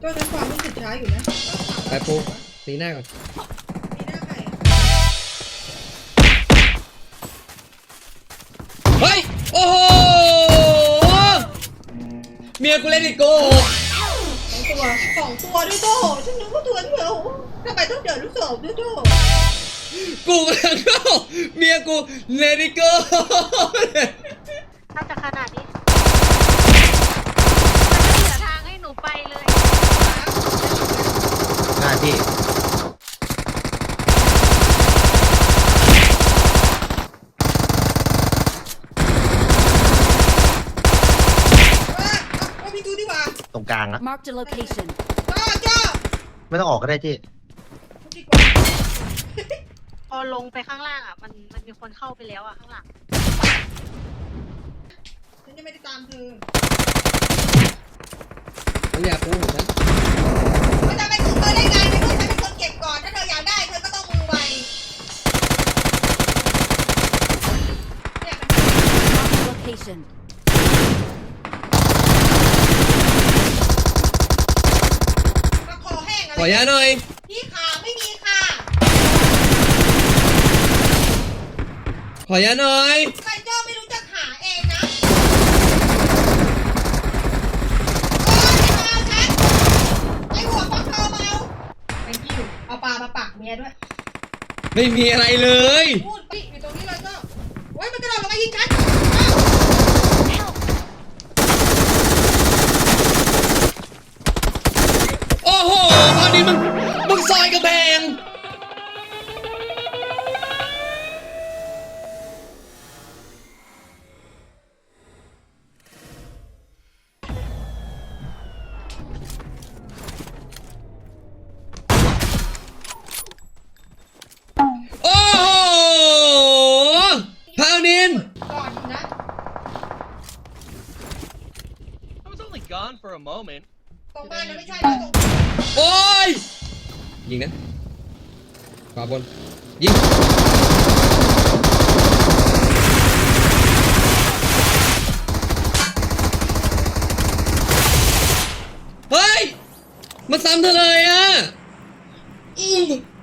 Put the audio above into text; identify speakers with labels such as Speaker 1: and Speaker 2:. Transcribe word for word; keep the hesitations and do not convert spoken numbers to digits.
Speaker 1: ก็นั้นความรู้สึกช้าอยู่นะ
Speaker 2: ไปปูตีหน้าก่อน
Speaker 1: มีหน้าใคร
Speaker 2: เฮ้ยโอ้โหเมียกูเล่นอีกโก
Speaker 1: สองตัวสองตัวด้วยโจ้ฉันนึกว่าตัวเดียวทำไมต้องเดินลูกศรด้วยโจ้
Speaker 2: กูกำลังเข้าเมียกูเลดิโก้
Speaker 3: ถ้าจะขนาดนี้มันไม่เหลือทางให้หนูไปเลย
Speaker 4: หน้าที่
Speaker 1: ว่ามีตัวดีกว่า
Speaker 4: ตรงกลางอะ
Speaker 5: Marked a location.
Speaker 1: จ้าจ้า
Speaker 4: ไม่ต้องออกก็ได้ที่
Speaker 3: พอลงไปข้างล่างอ่ะมันมันมีคนเข้าไปแล้วอ่ะข้างหลัง
Speaker 1: ฉันจะไม่ได้ตามเธอ
Speaker 2: มึงอยากปูของฉัน
Speaker 1: มันจะไปถึงเธอได้ไงในเมื่อฉันเป็นคนเก็บก่อนถ้าเธออยากได้เธอก็ต้องมือไวเนี่ยมัน
Speaker 5: Marked a location.
Speaker 1: มาคอแห้งอะไร
Speaker 2: ขอยาหน่อย
Speaker 1: พี่ขาไม่มีค่ะ
Speaker 2: ขอยาหน่อย
Speaker 1: ใครเจ้าไม่รู้จะหาเองนะโอ้ยมาฉันไอหัวฟักทองมาเอาไปกิ้วเอาปลามาปักเมียด้วย
Speaker 2: ไม่มีอะไรเลย
Speaker 1: พูดปิอยู่ตรงนี้เลยเจ้าโอ้ยมันกระโดดลงมายิงฉัน
Speaker 2: โอ้โหตอนนี้มึงมึงซอยกระแพงโอ้โหพาวนิน
Speaker 1: ก่อนนะ
Speaker 6: I was only gone for a moment.
Speaker 1: ตรงบ้านนะไม่ใช่นะตรง
Speaker 2: โอ้ยยิงนะขวาบนยิงเฮ้ยมาซ้ำเธอเลย